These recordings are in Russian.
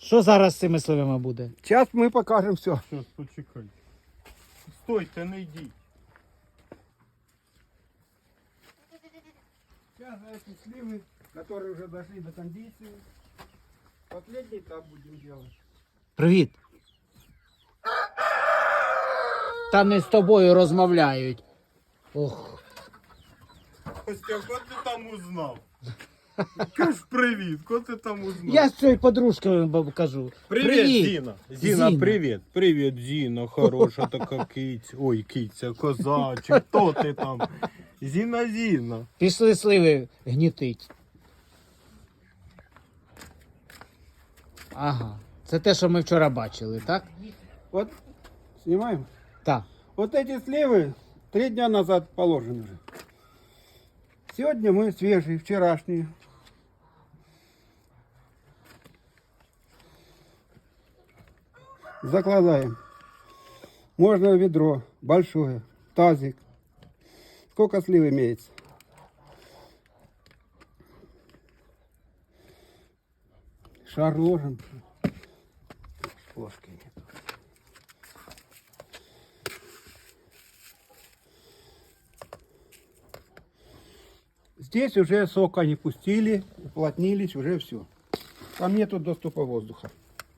Що зараз з цими сливами буде? Зараз ми покажемо все. Щас, почекай. Стойте, не йдіть. Сейчас эти сливы, которые уже дошли до кондиции, последний этап будем делать. Привіт. Та не з тобою розмовляють. Ох. Костя, кого ти там узнав? Кажеш привіт, кого ти там узнав? Я з цією подружкою кажу. Привіт, Зіна. Зіна, Зіна. привіт. Привіт, Зіна, хороша така киця. Ой, киця, козачик, хто ти там? Зіна, Зіна. Пішли сливи гнітить. Ага. Це те, що ми вчора бачили, так? Вот, снимаем. Так. Вот эти сливы 3 дня назад положены уже. Сегодня мы свежие, вчерашние. Закладаем. Можно ведро большое, тазик. Сколько слив имеется? Шар ложим. Ложки нет. Здесь уже сок они пустили, уплотнились, уже все. Там нету доступа воздуха.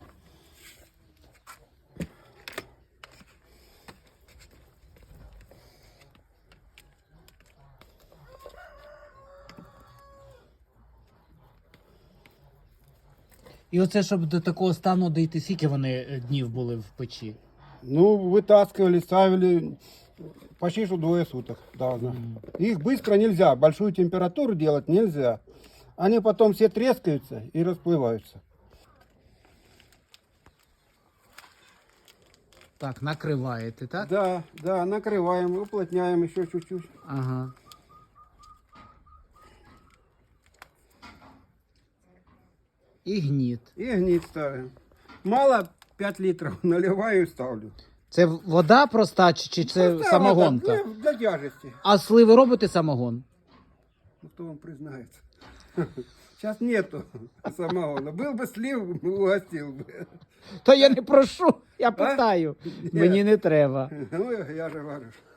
І оце, щоб до такого стану дійти, скільки вони днів були в печі? Ну, вытаскивали, ставили почти что 2 суток должно. Их быстро нельзя, большую температуру делать нельзя. Они потом все трескаются и расплываются. Так, накриваєте, так? Да, да, накрываем, уплотняем еще чуть-чуть. Ага. І гніт. И гнить ставим. Мало 5 литров, наливаю и ставлю. Це вода проста чи це Просто самогонка? вода для тяжести. А сливи робите самогон? Ну, кто вам признается? Сейчас нету самогона. Был бы слив, угостил бы. Та я не прошу, я питаю. Мені не треба. Ну, я же говорю.